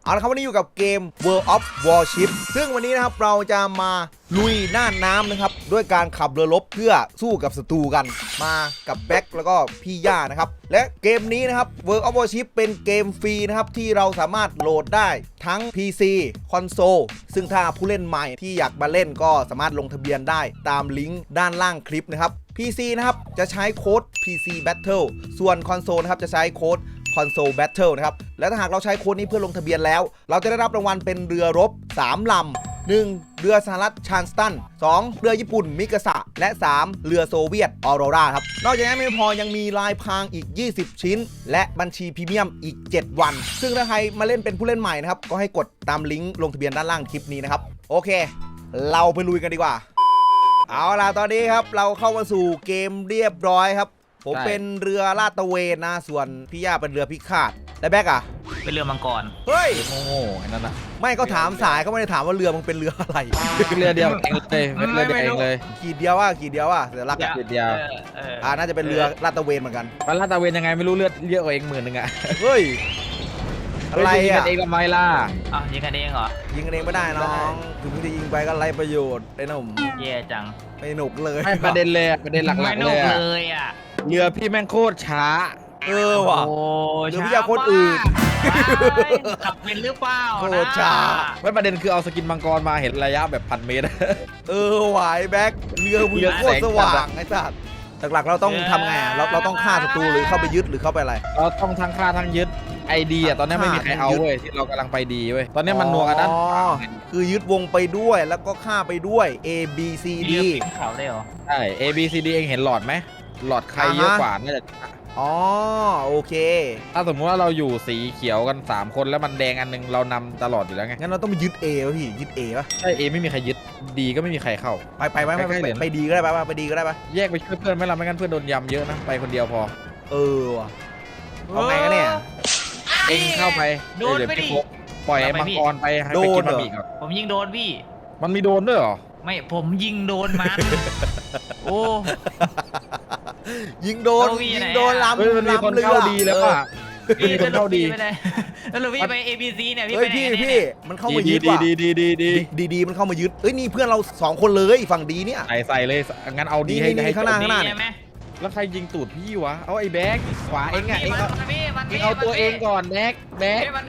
เอาละครับวันนี้อยู่กับเกม World of Warship ซึ่งวันนี้นะครับเราจะมาลุยน่านน้ำนะครับด้วยการขับเรือรบเพื่อสู้กับศัตรูกันมากับแบ็คแล้วก็พี่ย่านะครับและเกมนี้นะครับ World of Warship เป็นเกมฟรีนะครับที่เราสามารถโหลดได้ทั้ง PC คอนโซลซึ่งถ้าผู้เล่นใหม่ที่อยากมาเล่นก็สามารถลงทะเบียนได้ตามลิงก์ด้านล่างคลิปนะครับ PC นะครับจะใช้โค้ด PC Battle ส่วนคอนโซลนะครับจะใช้โค้ดConsole Battle นะครับและถ้าหากเราใช้โค้ดนี้เพื่อลงทะเบียนแล้วเราจะได้รับรางวัลเป็นเรือรบ3ลำ1เรือสหรัฐชานสตัน2เรือญี่ปุ่นมิกาสะและ3เรือโซเวียตออโรราครับนอกจากนั้นไม่พอยังมีลายพรางอีก20ชิ้นและบัญชีพรีเมียมอีก7วันซึ่งถ้าใครมาเล่นเป็นผู้เล่นใหม่นะครับก็ให้กดตามลิงก์ลงทะเบียนด้านล่างคลิปนี้นะครับโอเคเราไปลุยกันดีกว่าเอาล่ะตอนนี้ครับเราเข้ามาสู่เกมเรียบร้อยครับผมเป็นเรือลาดตระเวนนะส่วนพี่ย่าเป็นเรือพิฆาตและแบ็กอ่ะเป็นเรือมังกรเฮ้ยโง่ๆไอ้นั่นน่ะไม่ก็ถามสายเขาไม่ได้ถามว่าเรือมึงเป็นเรืออะไรเป็นเรือเดียวเองเลยเป็นเรือเดียวเองเลยขีดเดียวเสือรักอ่ะขีดเดียวน่าจะเป็นเรือลาดตระเวนเหมือนกันมันลาดตระเวนยังไงไม่รู้เลือดเยอะกว่าเอง10,000อ่ะเฮ้ยอะไรอ่ะเองทำไมล่ะยิงกันเองเหรอยิงกันเองไม่ได้น้องถึงจะยิงไปก็ไร้ประโยชน์ไอ้หนุ่มแย่จังไม่หนุกเลยไม่ประเด็นเลยประเด็นหลักๆเลยอ่ะเรือพี่แม่งโคตรช้าว่ะเรือพี่ยาคนอื่นขับเป็นหรือเปล่าโคตรช้าไม่ประเด็นคือเอาสกินมังกรมาเห็นระยะแบบ1,000 เมตรไหวแบ็คเรือมึงโคตรสว่างไอ้สัตว์หลักๆเราต้องทำไงเราต้องฆ่าศัตรูหรือเข้าไปยึดหรือเข้าไปอะไรเราต้องทั้งฆ่าทั้งยึดไอดีอ่ะตอนนี้ไม่มีใครเอาเว้ยที่เรากำลังไปดีเว้ยตอนนี้มันนัวกันด้านคือยึดวงไปด้วยแล้วก็ฆ่าไปด้วย A B C D เขาได้เหรอใช่ A B C D เองเห็นหลอดไหมหลอดใครเยอะกว่าน่าจะโอเคถ้าสมมติว่าเราอยู่สีเขียวกัน3คนแล้วมันแดงอันนึงเรานำตลอดอยู่แล้วไงงั้นเราต้องไปยึด A ป่ะพี่ยึด A ป่ะใช่ A ไม่มีใครยึดดีก็ไม่มีใครเข้าไปดีก็ได้ไปดีก็ได้ปะแยกไปช่วยเพื่อนไหมล่ะไม่งั้นเพื่อนโดนยำเยอะนะไปคนเดียวพอว่ะเอาไงกันเนี่ยเองเข้าไปโดนไม่ดิปล่อยมังกรไปให้ไปกินบะหมี่ก่อนผมยิงโดนพี่มันมีโดนด้วยเหรอไม่ผมยิงโดนมันโอ้ยิงโดนลำมันมีคนเข้าดีแล้วป่ะมีคนเข้าดีไม่ได้แล้วพี่ไป ABC เนี่ยพี่มันเข้ามายึดว่ะดีมันเข้ามายึดนี่เพื่อนเรา2คนเลยฝั่งดีเนี่ยใส่เลยงั้นเอาดีให้ข้างหน้าแล้วใครยิงตูดพี่วะเอาไอ้แบ็กขวาเองอ่ะเองเอาตัวเองก่อนแบ็กมัน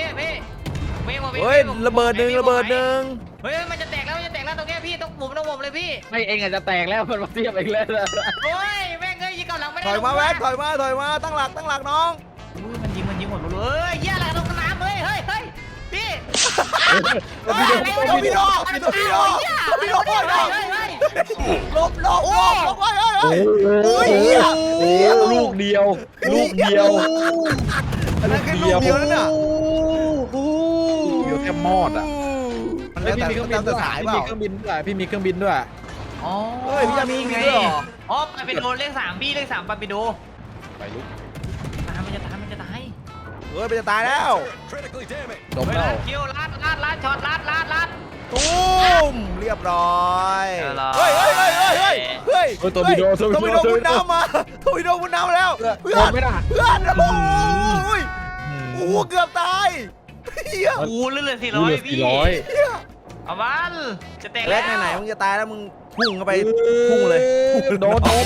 ระเบิดหนึ่งเฮ้ยมันจะแตกแล้วตรงนี้พี่ต้องหมุนเลยพี่ไม่เองอาจจะแตกแล้วมันมาเทียบเองเลยโอ้ยแม่งยิงกับหลังไม่ได้ถอยมาแบ็คถอยมาตั้งหลักน้องมันยิงหมดเลยเหี้ยอะไรลงน้ำเลยเฮ้ยพี่พี่โดลบลูกเดียวอันนั้นแค่ลูกเดียวนั่นน่ะเดียวแค่มอดอ่ะแล้วพี่มีเครื่องบินด้วยพี่มีเครื่องบินด้วยอ๋อพี่จะมีไงไปเป็นโดนเลข3พี่เลข3ไปดูไปลุกมันจะตายมันจะตายแล้วจบแล้วคิวลัดช็อตลัดตุ้มเรียบร้อยเฮ้ยตัววิดีโอมุนน้ำมาแล้วเพื่อนโอ้เกือบตายเลื่อน400พี่เอาบ้านจะแตกแล้วไหนมึงจะตายแล้วมึงพุ่งเข้าไปพุ่งเลยโดนทำ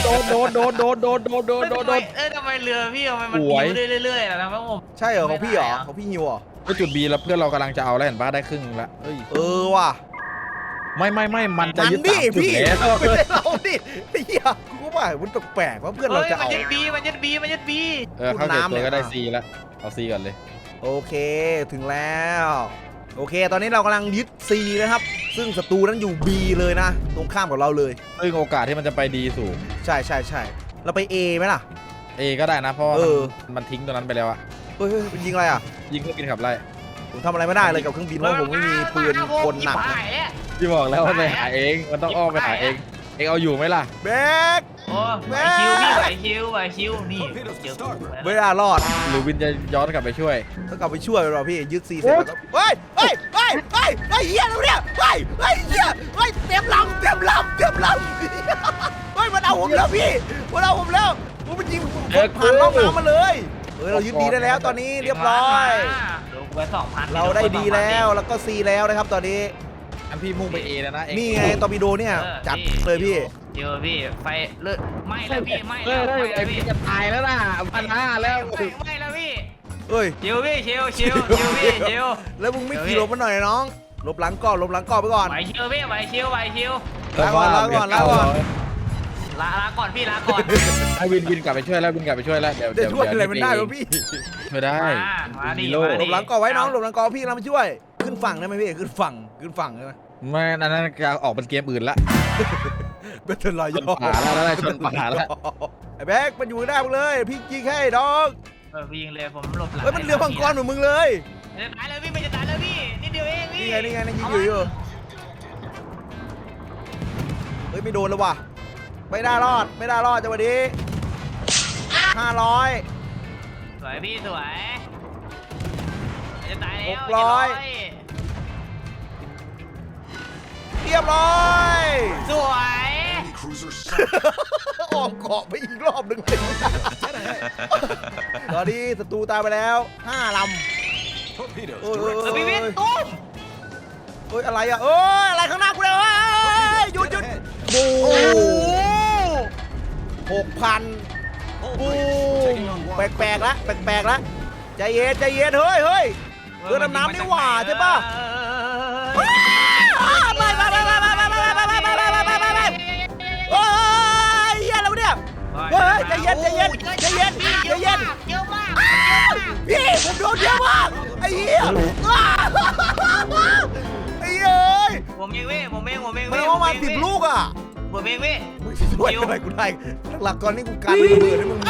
ไมเรือพี่ทำไมมันยิวเรื่อยๆนะครับผมใช่เหรอของพี่เหรอของพี่ฮิวเหรอก็จุด B แล้วเพื่อนเรากำลังจะเอาแล้วเห็นป่ะได้ครึ่งแล้วว่ะไม่มันจะยึด3 จุดแล้วเราดิเฮียกูว่ามันแปลกว่าเพื่อนเราจะเอามันยึด B เข้าเก็บตัวก็ได้ C แล้วเอา C ก่อนเลยโอเคถึงแล้วโอเคตอนนี้เรากำลังยึด C นะครับซึ่งศัตรูนั้นอยู่ B เลยนะตรงข้ามกับเราเลยซึ่งโอกาสที่มันจะไปดีสูงใช่เราไป A ไหมล่ะ A ก็ได้นะเพราะมันทิ้งตัวนั้นไปแล้วอะมันยิงอะไรอ่ะยิงเครื่องบินขับไล่ผมทำอะไรไม่ได้เลยกับเครื่องบินเพราะผมไม่มีปืนคนหนักพี่บอกแล้วว่าไปหาเองมันต้องอ้อมไปหาเองเอาอยู่ไหมล่ะแบ็คไหวคิวนี่ไม่ได้รอดหรือวินจะย้อนกลับไปช่วยต้องกลับไปช่วยเราพี่ยึด C เสร็จแล้วเฮ้ยเฮียแล้วเนี่ยเฮียเต็มลำเฮ้ยมันเอาผมแล้วพี่มันยิงผ่านล่องน้ำมาเลยเรายึดดีได้แล้วตอนนี้เรียบร้อยไว้2,000 เราได้ดีแล้วแล้วก็ C แล้วนะครับตอนนี้อันพี่มุ่งไปเอแล้วนะเองนี่ไงตอร์ปิโดเนี่ยจัดเลยพี่เจอพี่ไฟเลือดไหม้แล้วพี่ไหม้เฮ้แล้ยว ไอ้พี่จะตายแล้วนะ1,500แล้วไหม้แล้วพี่เอ้ยชิวพี่ชิวพี่ชิวแล้วมึงไม่ขี่หลบมาหน่อยน้องหลบหลังก่อนหลบหลังก่อนไปก่อนไหวชิวพี่ไหวชิวลาก่อนลาก่อนลาก่อนลาก่อนพี่ลาก่อนให้วินกลับไปช่วยแล้ววินกลับไปช่วยแล้วเดี๋ยวจะช่วยอะไรมันได้วะพี่ช่วยได้มาดิหลบหลังก่อนไว้น้องหลบหลังก่อนพี่เรามาช่วยขึ้นฝั่งได้ไหมพี่ขึ้นฝั่งได้ไหมไม่นั้นจะออกเป็นเกมอื่นละเบทเทิลรอยชนป่าแล้วชนป่าแล้วไอ้แบ็คมันอยู่ได้มึงเลยพี่ยิงให้น้องวิ่งเลยผมหลบหลังเฮ้ยมันเรือมังกรเหมือนมึงเลยจะตายแล้วพี่มันจะตายแล้วพี่นิดเดียวเองพี่นี่ไงยิงอยู่เฮ้ยไม่โดนแล้วว่ะไม่ได้รอดจังหวะนี้500 สวยพี่สวยจะตายแล้วเรียบร้อยสวยออกเกาะไปอีกรอบหนึ่งเลยตอนนี้ศัตรูตายไปแล้ว5 ลำโอ้ยพี่วิทย์ตุ้มเฮ้ยอะไรอ่ะเอ้ยอะไรข้างหน้ากูเลยหยุดบู6,000บูแปลกๆละใจเย็นเฮ้ยเรือดำน้ำนี่หว่าใช่ป่ะไม่โอ้ยเฮียอะไรวะเนี่ยเฮ้ยใจเย็นพี่ผมโดนเยอะมากไอ้เหี้ยผมเองเว้ยมันเอามา10 ลูกอ่ะผมเองเว้ยมึงช่วยอะไรกูได้หลักก่อนนี่กูการระเบิดให้มึง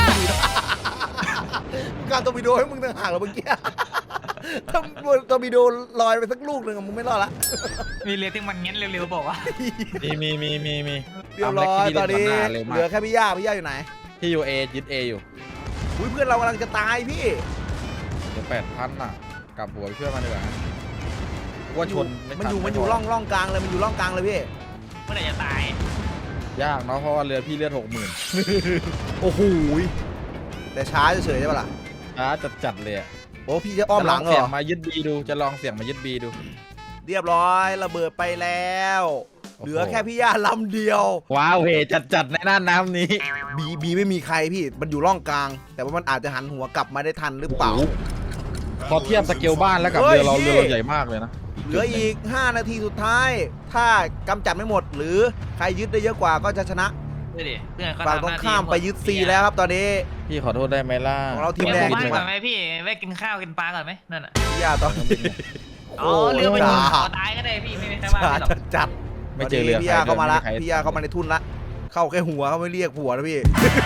กูการตอร์ปิโดให้มึงต่างหากแล้วเมื่อกี้ถ้าตอร์ปิโดลอยไปสักลูกหนึ่งมึงไม่รอดละมีเรือที่มันเงี้ยเร็วๆบอกว่ามีเรียบร้อยตอนนี้เหลือแค่พี่ย่าอยู่ไหนที่อยู่เอยึดเออยู่อุ้ยเพื่อนเรากำลังจะตายพี่เดี๋ยว8,000น่ะกลับหัวไปช่วยมันดีกว่าว่าชนมันอยู่ร่องกลางเลยร่องกลางเลยพี่เมื่อไหร่จะตายยากเนาะเพราะว่าเรือพี่เลือด60,000 โอ้โหแต่ช้าเฉยๆใช่ปะล่ะจัดเลยโอ้พี่จะอ้อมหลังเหรเสียองมายึดบีดูจะลองเสียงมายึดบีดูเรียบร้อยระเบิดไปแล้ว เหลือแค่พี่ย่าลำเดียวว้าวเฮจัดในน่านน้ำนี้บีไม่มีใครพี่มันอยู่ร่องกลาง แต่ว่ามันอาจจะหันหัวกลับมาได้ทันหรือเปล่าพอเทียบสเกลบ้านแล้วกับเรือเราใหญ่มากเลยนะเหลืออีก5 นาทีสุดท้าย ถ้ากำจัดไม่หมดหรือใครยึดได้เยอะกว่าก็จะชนะดูดิเพื่อนเขาฝั่งตรงข้ามไปยึดซีแล้วครับตอนนี้พี่ขอโทษได้ไหมล่ะของเราทีทีมมแดแดงงบ้านก่อนไหมพี่แวะกินข้าวกินปลาก่อนไหมนั่นน่ะพี่ย่าตอนนี้อ๋อเรือไปยิงจ้าตายก็ได้พี่ไม่ใช่ว่าหรอกจัดไม่เจอเรือพี่ย่าเข้ามาละใครพี่ย่าเข้ามาในทุ่นละเข้าแค่หัวเขาไม่เรียกผัวนะพี่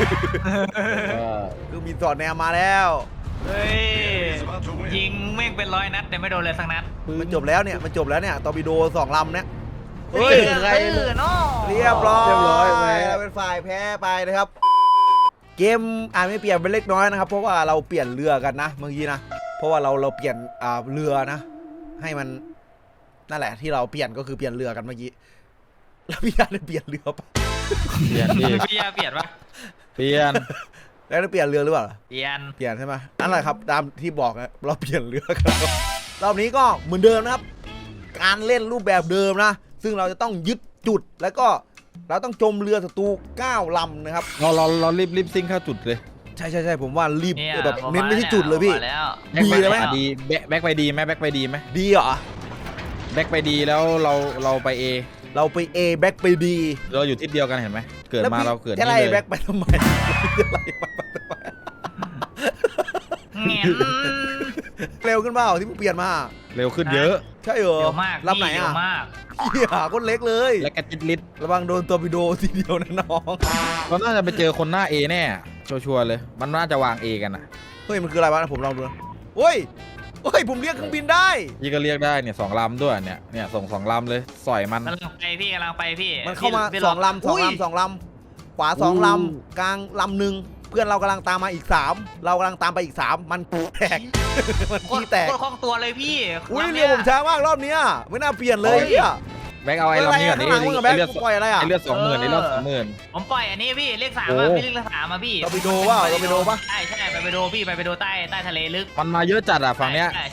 คือมีสอดแนวมาแล้วเฮ้ยยิงแม่งเป็น100 นัดแต่ไม่โดนเลยสักนัดมันจบแล้วเนี่ยตอร์ปิโด2 ลำเนี่ยเฮ้ยใครเนาะเรียบร้อยเรียบร้อยไหมเราเป็นฝ่ายแพ้ไปนะครับ เกมอาจไม่เปลี่ยนเป็นเล็กน้อยนะครับ เพราะว่าเราเปลี่ยนเรือกันนะเมื่อกี้นะเพราะว่าเราเปลี่ยนเรือนะ ให้มันนั่นแหละที่เราเปลี่ยนก็คือเปลี่ยนเรือกันเมื่อกี้แล้วพี่ยาได้เปลี่ยนเรือปะเปลี่ยนดิพี่ยาเปลี่ยนปะเปลี่ยนแล้วได้เปลี่ยนเรือหรือเปล่าเปลี่ยนเปลี่ยนใช่ไหมนั่นแหละครับตามที่บอกนะเราเปลี่ยนเรือกันรอบนี้ก็เหมือนเดิมนะครับ การเล่นรูปแบบเดิมนะ ซึ่งเราจะต้องยึดจุดแล้วก็เราต้องจมเรือศัตรู9 ลำนะครับเรารีบซิ่งเข้าจุดเลยใช่ผมว่ารีบเนี่ยแบบเน้นไปที่จุดเลยพี่แล้วดีเลยไหมดีแบ็คไปดีไหมแบ็คไปดีไหมดีเหรอแบ็คไปดีแล้วเราไปเอเราไป A แบ็กไป B เราอยู่ทิศเดียวกันเห็นไหมเกิดมาเราเกิดจะนี่ไล่เลยแบ็กไปทำไมจะไล่แบ็คไปทำไมเงี้ยเร็วขึ้นเปล่าที่มึงเปลี่ยนมาเร็วขึ้นเยอะใช่เหรอเร็วมากลำไหนเร็อ่ะวมากเหี้ยคนเล็กเลยและกระจิตลิดระวังโดนตัวปิโดทีเดียวนะน้องเราน่าจะไปเจอคนหน้าเอแน่ชัวร์เลยมันน่าจะวางเอกันนะเฮ้ยมันคืออะไรวะผมลองดูนะเฮ้ยผมเรียกเครื่องบินได้พี่ก็เรียกได้เนี่ย2 ลำด้วยเนี่ยส่ง2 ลำเลยสอยมันกำลังไปพี่กำลังไปพี่มันเข้ามาพี่ 2 ลำอุ้ย 2 ลำขวา2 ลำกลางลำหนึ่งเพื่อนเรากำลังตามมาอีก3เรากำลังตามไปอีก3มันแตกมันโคตขี้รแตกโคตรคล่องตัวเลยพี่อุ้ยลำเรือผมช้ามากรอบเนี้ยไม่น่าเปลี่ยนเลยเฮียแบ็คเอาไอ้ลำนี้ก่อนข้างหลังมึงกับแบ็คเลือดปล่อยอะไรอ่ะไอ้เลือด20,000ไอ้เลือด20,000 ผมปล่อยอันนี้พี่เลข3 โอ้อ่ะพี่เลข3อ่ะพี่เราไปดูว่าเราไปดูปะใช่ไปดูพี่ไปดูใต้ทะเลลึกมันมาเยอะจัดอ่ะฝั่งเนี้ยใช่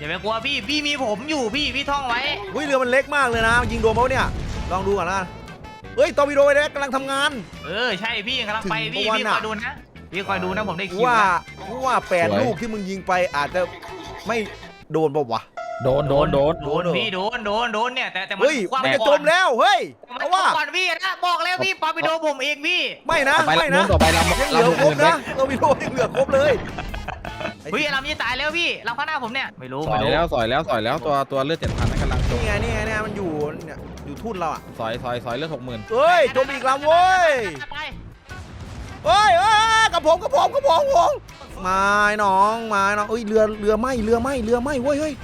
อย่าไปกลัวพี่มีผมอยู่พี่ท่องไว้เฮ้ยเรือมันเล็กมากเลยนะยิงโดนเขาเนี่ยลองดูก่อนนะเฮ้ยตอร์ปิโดไอ้แดกกำลังทำงานใช่พี่กำลังไปพี่ถึงวันคอะอยดูนะพี่คอยดูนะผมได้คิวว่านะว่า8 ลูกที่มึงยิงไปอาจจะไม่โดนป่าวะโดนโดนพี่โดนเนี่ยแต่มันเฮ้ยคว้างมันจะก่จอนมแล้วเฮ้ยมันเอาจะว่าก่อนพี่นะบอกแล้วพี่ปาไปโดนผมเองพี่ไม่นะต่อไปไม่ลำนู้นะนต่อไปลำยังเหลือลำครบอื่นไหมนะตอร์ปิโดยังเหลือครบเลยเฮ้ยลำจะตายแล้วพี่ลำข้างหน้าผมเนี่ยไม่รู้สอยแล้วตัวเลือด7,000นั่นกำลังจมนี่ไงมันอยู่เนี่ยอยู่ทุ่นเราอ่ะสอยเลือด60,000 เฮ้ยจมอีกลำเว้ยไปเฮ้ยกับผมมาน้องเอ้ยเรือไหม้เว้ยเฮ้ย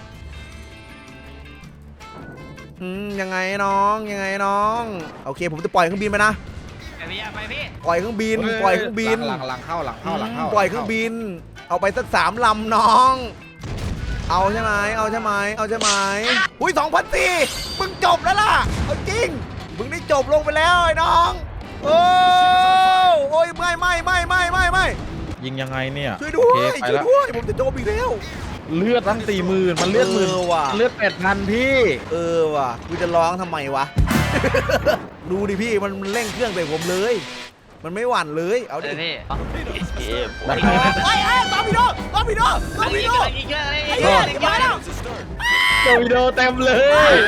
ยังไงน้องโอเคผมจะปล่อยเครื่องบินไปนะไปพี่ปล่อยเครื่องบินหลังเข้าปล่อยเครื่องบิน เอาไปสัก3 ลำน้อง เอาใช่ไหมอุ้ย2,400มึงจบแล้วล่ะเอาจริงมึงได้จบลงไปแล้วไอ้น้องโอ้ยไม่ยิงยังไงเนี่ยช่วยด้วยโอเคไปแล้วผมจะจบอีกแล้วเลือดตั้ง40,000มันเลือดหมื่นว่ะเลือด8,000พี่ว่ะกูจะร้องทำไมวะ ดูดิพี่มันเร่งเครื่องใส่ผมเลย มันไม่หวั่นเลยเอาดิพี่ไอ้ตอร์ปิโดอีกเยอะเลยไอ้เหี้ยมาแล้วโดมิโดเต็มเลย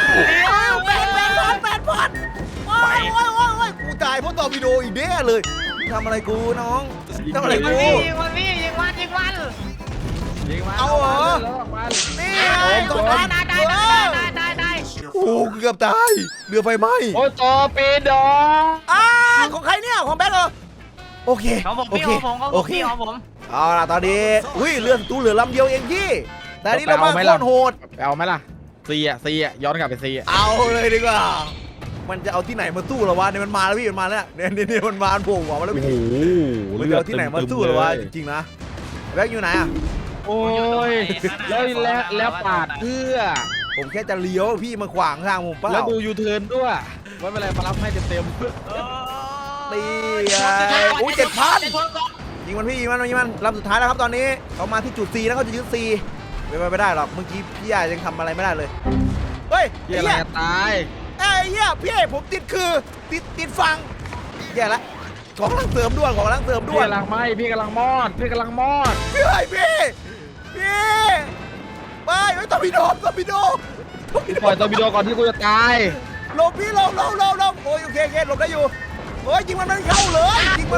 8,000โอ้ยกูตายเพราะตอร์ปิโดอีกแน่เลยทำอะไรกูน้องทำอะไรกูยิงมันเอาเหรอ นี่ไงตกน้ำได้โอ้เกือบตายเรือไฟไหม้โอ้ตอร์ปิโดของใครเนี่ยของแบทเหรอโอเคของผมโอพี่เคของผมโอเคพี่ของผมเอาล่ะตอนนี้เรือตู้เหลือลำเดียวเองพี่แต่อันนี้เรามาโคตรโหดไปเอาไหมล่ะซีย้อนกลับไปซีเอาเลยดีกว่ามันจะเอาที่ไหนมาสู้เหรอวะเนี่ยมันมาแล้วพี่มันมาแล้วเนี่ยมันมาโผล่หัวมาแล้วโอ้พี่โหมันจะเอาที่ไหนมาสู้เหรอวะจริงๆนะแบงค์อยู่ไหนอ่ะโอ้ยแล้วปาดเพื่อผมแค่จะเลี้ยวพี่มาขวางทางผมเปล่าแล้วดูยูเทิร์นด้วยไม่เป็นไรมารับให้เต็มตีไงโอ้ย7,000ยิงมันพี่ยิงมันลำสุดท้ายแล้วครับตอนนี้เขามาที่จุด C แล้วเขาจะยึด C ไม่ได้หรอกเมื่อกี้พี่ยายังทำอะไรไม่ได้เลยเฮ้ยๆเฮียอะไรจะตายไอ้เหี้ยพี่ผมติดติดฟังแย่ละของกำลังเสริมด่วนพี่กำลังไหมพี่กำลังมอดพี่ไปตอร์ปิโดปล่อยตอร์ปิโดก่อนที่กูจะตายหลบพี่หลบโอ้ยโอเคหลบได้อยู่โอ้ยยิงมันไม่เข้าเลย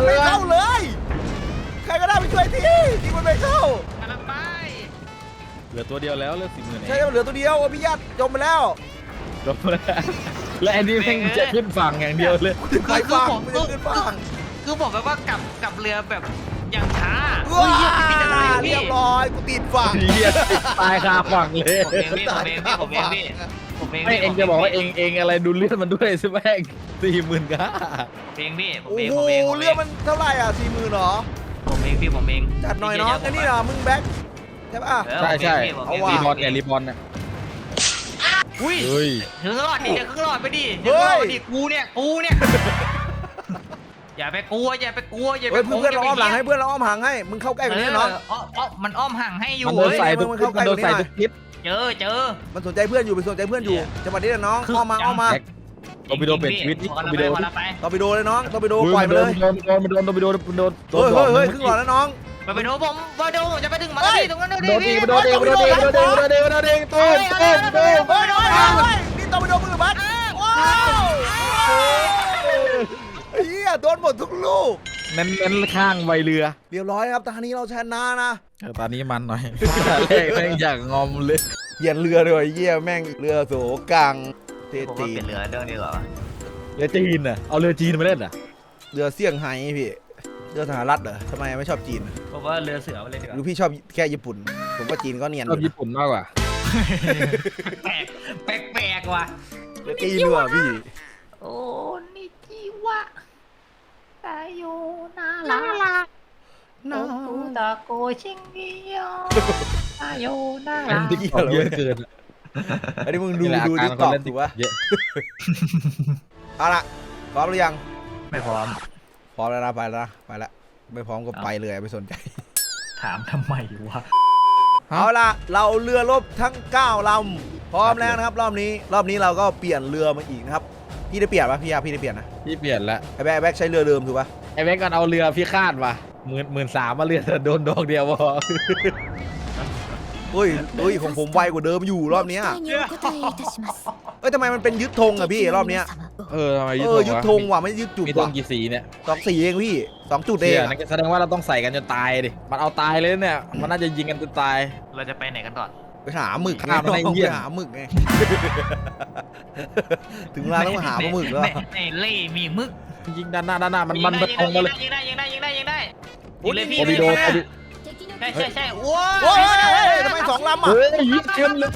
ใครก็ได้ไปช่วยทียิงมันไม่เข้ากำลังไปเหลือตัวเดียวแล้วเหลือ40,000 ใช่เหลือตัวเดียวพี่ญาติจมไปแล้วจบแล้วและอันนี้แม่งจะขึ้นฝั่งอย่างเดียวเลยใครฟังไม่ได้ขึ้นฟังคือผมแบบว่ากลับเรือแบบอย่างช้าว้าพี่จะตายเรีพี่ยบร้อยกูติดฟังเฮียตายคาฝั่งเลยผมเองพี่ไม่เองจะบอกว่าเองอะไรดูเลือดมันด้วยใช่ไหม40,000ก้าเพลงพี่ผมโอ้เองโหผมเองเรือมันเท่าไหร่อ่ะ40,000เหรอผมเองพี่ผมเองจัดหน่อยน้องอันนี้เหรอมึงแบ็คใช่ป่ะใช่เอาว่ะรีบอลเนี่ยอุ้ยเฮ้ยถึงหลอดดิเดี๋ยวครึ่งหลอดไปดิเดี๋ยวครึ่งหลอดดิกูเนี่ยอย่าไปกลัวอย่าไปเฮ้ยเพื่อนเราอ้อมหลังให้เพื่อนเราอ้อมห่างให้มึงเข้าใกล้กว่านี้น้องมันอ้อมห่างให้อยู่มันโดนใส่ทุกทิศเจอมันสนใจเพื่อนอยู่จังหวะนี้นะน้องอ้อมมาตอร์ปิโดเป็นชีวิตนี่ตอร์ปิโดตอร์ปิโดเลยน้องตอร์ปิโดปล่อยไปเลยโดนตอร์ปิโดเฮ้ยครึ่งหลอดแล้วน้องไปดูผมจะไปถึงมาแล้วพี่ตรงนั้นโดนอีกตุ้มนี่ตอร์ปิโดมือบัสว้าวเฮียโดนหมดทุกลูกเน้นข้างใบเรือเรียบร้อยครับตอนนี้เราชนะนะตอนนี้มันหน่อยเลขแม่งอยากงอมเลยเปลี่ยนเรือเลยเยี่ยแม่งเรือโสกังเทผมจีว่าเป็นเรือเรื่องนี้เหรอเรือจีนอ่ะเอาเรือจีนมาเล่นอ่ะเรือเซี่ยงไฮ้พี่เรือสหรัฐเหรอทำไมไม่ชอบจีนผมว่าเรือเสือไปเลยดีกหรือว่าพี่ชอบแค่ญี่ปุ่นผมว่าจีนก็เนียนชอบญี่ปุ่นมากกว่าแปลกว่ะเรือจีนด้วยพี่โอ้นิจิวะตาโยนาลาโนตุตะโกชิงเกียวตาโยนาอัลานที่ของเยอะเกินอันนี้มึงดูดิสตอกถูกปะเยอะเอาละพร้อมหรือยังไม่พร้อมพร้อมแล้วนะไปแล้วไม่พร้อมก็ไปเลยไม่สนใจถามทำไมวะเอาล่ะเราเรือรบทั้ง9ลำพร้อมแล้วนะครับรอบนี้เราก็เปลี่ยนเรือมาอีกนะครับพี่ได้เปลี่ยนปะพี่ได้เปลี่ยนนะพี่เปลี่ยนละไอ้แบ็คใช้เรือเดิมถูกปะไอ้แบงก์กันเอาเรือพี่คาดว่ะ13,000มาเรือโดนดอกเดียวพอเฮ้ยของผมไวกว่าเดิมอยู่รอบเนี้ยเอ้ยทำไมมันเป็นยึดธงอะพี่รอบเนี้ยทำไมยึดธงว่ะไม่ยึดจุดมีธว่ะงกี่สีเนี่ย 2 สีเองพี่2 จุดเอเดีงยอะนั่นก็แสดงว่าเราต้องใส่กันจนตายดิมันเอาตายเลยเนี่ยมันน่าจะยิงกันจนตายเราจะไปไหนกันก่อนไปหาหมึกฆ่ามันให้เหี้ยไปหาหมึกไง ถึงเวลาต้องมาหาปลาหมึกแล้วในเล่มีมึกยิงด้านหน้ามันตรงมาเลยยิงได้ยิงได้โอ้ยเลยพี่โอบิโดใช่ว้าโอ้ยทำไม2 ลำอะเฮ้ยยิงเต็มเลย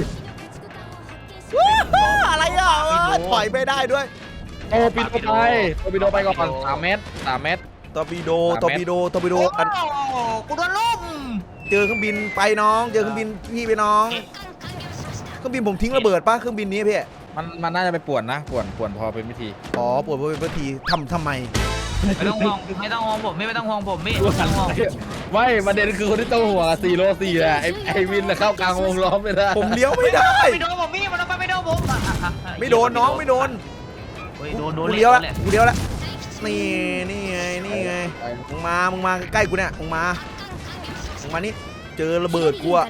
อะไรอะปล่อยไม่ได้ด้วยโอปิโดไปก่อน3 เมตรตอร์ปิโดอันกูโดนล่มเจอเครื่องบินไปน้องเจอเครื่องบินพี่ไปน้องเครื่องบินผมทิ้งระเบิดป่ะเครื่องบินนี้พี่มันน่าจะไปป่วนนะป่วนพอเป็นวิธีอ๋อปวดเป็นวิธีทำไมไม่ต้องห่วงผมไม่ต้องห่วงผมไม่ต้องห่วงไม่ประเด็นคือคนที่ต้องห่วง4 โล 4แหละไอวินเข้ากลางวงล้อมไม่ได้ผมเลี้ยวไม่ได้ไม่โดนผมพี่มันไปไม่โดนผมไม่โดนน้องไม่โดนโดนกูเลี้ยวแล้วนี่ไงมึงมาใกล้กูเนี่ยมึงมานี่เจอระเบิดกูอะ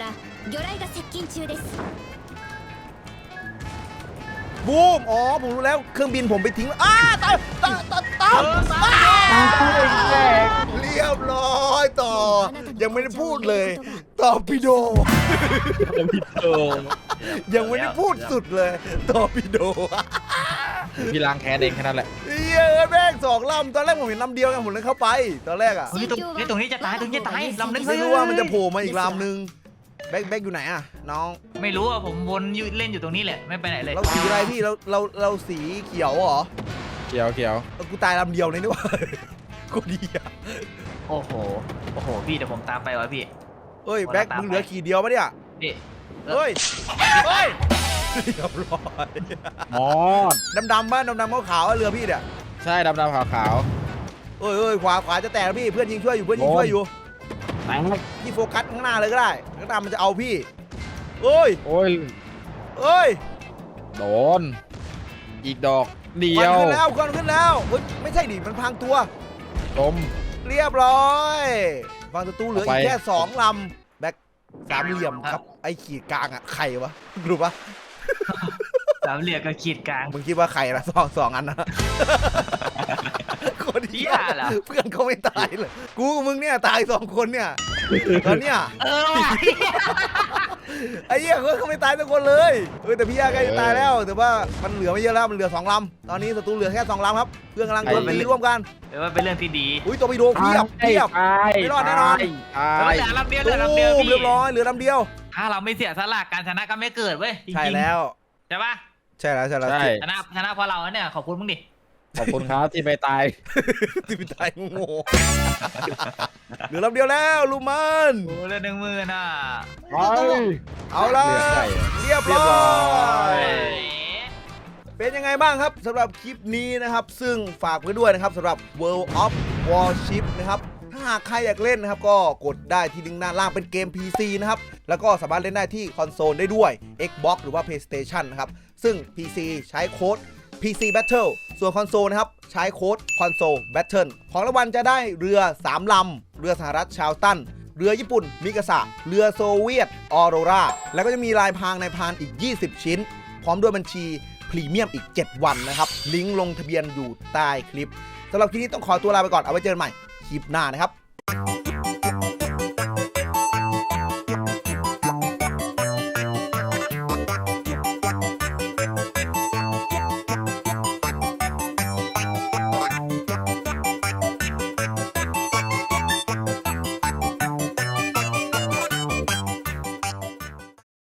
บูมอ๋อผมรู้แล้วเครื่องบินผมไปทิ้งตายเรียบร้อยต่อยังไม่ได้พูดเลยตอร์ปิโดยังไม่ได้พูดสุดเลยตอร์ปิโดพี่ล้างแค้นเองแค่นั้นแหละแม่ง2 ลำตอนแรกผมเห็นลำเดียวไงผมเลยเข้าไปตอนแรกอะตรงนี้จะตายลำนึงไม่รู้ว่ามันจะโผล่มาอีกลำนึงแบ็คอยู่ไหนอะน้องไม่รู้อ่ะผมวนเล่นอยู่ตรงนี้แหละไม่ไปไหนเลยเราสีอะไรพี่เราสีเขียวเหรอเขียวกูตายลำเดียวเลยนี่หว่ากูดีอะโอ้โหพี่เดี๋ยวผมตามไปวะพี่เฮ้ยแบ็คมึงเหลือขีดเดียวปะเนี่ยพี่เฮ้ยเรียบร้อยอ๋อดำป่ะดำขาวๆเรือพี่เนี่ยใช่ดำขาวเอ้ยขวาจะแตกแล้วพี่เพื่อนยิงช่วยอยู่พี่โฟกัสข้างหน้าเลยก็ได้ข้างหน้ามันจะเอาพี่เอ้ยโอ้ยโดนอีกดอกเดียวควันขึ้นแล้วเฮ้ยไม่ใช่ดิมันพังตัวจมเรียบร้อยฟังศัตรูเหลืออีกแค่2 ลำแบ็ค3 เหลี่ยมครับไอ้ขีดกลางอะใครวะรู้ปะสามเหลี่ยมกับขีดกลางมึงคิดว่าใครละสองอันนะคนเดียวเพื่อนเขาไม่ตายเลยกูกับมึงเนี่ยตาย2 คนเนี่ยตอนเนี้ยไอ้เหี้ยเขาไม่ตายทุกคนเลยแต่พี่ย่าใกล้จะตายแล้วแต่ว่ามันเหลือไม่เยอะแล้วมันเหลือ2 ลำตอนนี้ศัตรูเหลือแค่2 ลำครับเพื่อนกำลังโดนตีร่วมกันเดี๋ยวว่าเป็นเรื่องที่ดีอุ้ยตัวไปโดนเพียบไม่รอดแน่นอนเหลือลำเดียวพี่เรียบร้อยเหลือลำเดียวถ้าเราไม่เสียสละการชนะก็ไม่เกิดเว้ยจริงๆใช่แล้วใช่ปะใช่แล้วชนะเพราะเราเนี่ยขอบคุณมึงดิขอบคุณครับที่ไปตายที่ไปตายโง่เหลือลำเดียวแล้วลูมันโอ้เรื่อง10,000น่ะเอาละเรียบร้อยเป็นยังไงบ้างครับสำหรับคลิปนี้นะครับซึ่งฝากไว้ด้วยนะครับสำหรับ World of Warship นะครับถ้าหากใครอยากเล่นนะครับก็กดได้ที่ลิงก์ด้านล่างเป็นเกม PC นะครับแล้วก็สามารถเล่นได้ที่คอนโซลได้ด้วย Xbox หรือว่า PlayStation นะครับซึ่ง PC ใช้โค้ด PC Battle ส่วนคอนโซลนะครับใช้โค้ด Console Battle ของรางวัลจะได้เรือ3 ลำเรือสหรัฐชาวตันเรือญี่ปุ่นมิกาสะเรือโซเวียตออโรราแล้วก็จะมีลายพรางในพรานอีก20 ชิ้นพร้อมด้วยบัญชีพรีเมียมอีก7 วันนะครับลิงก์ลงทะเบียนอยู่ใต้คลิปสำหรับคลิปนี้ต้องขอตัวลาไปก่อนเอาไว้เจอกันใหม่คลิปหน้านะครับ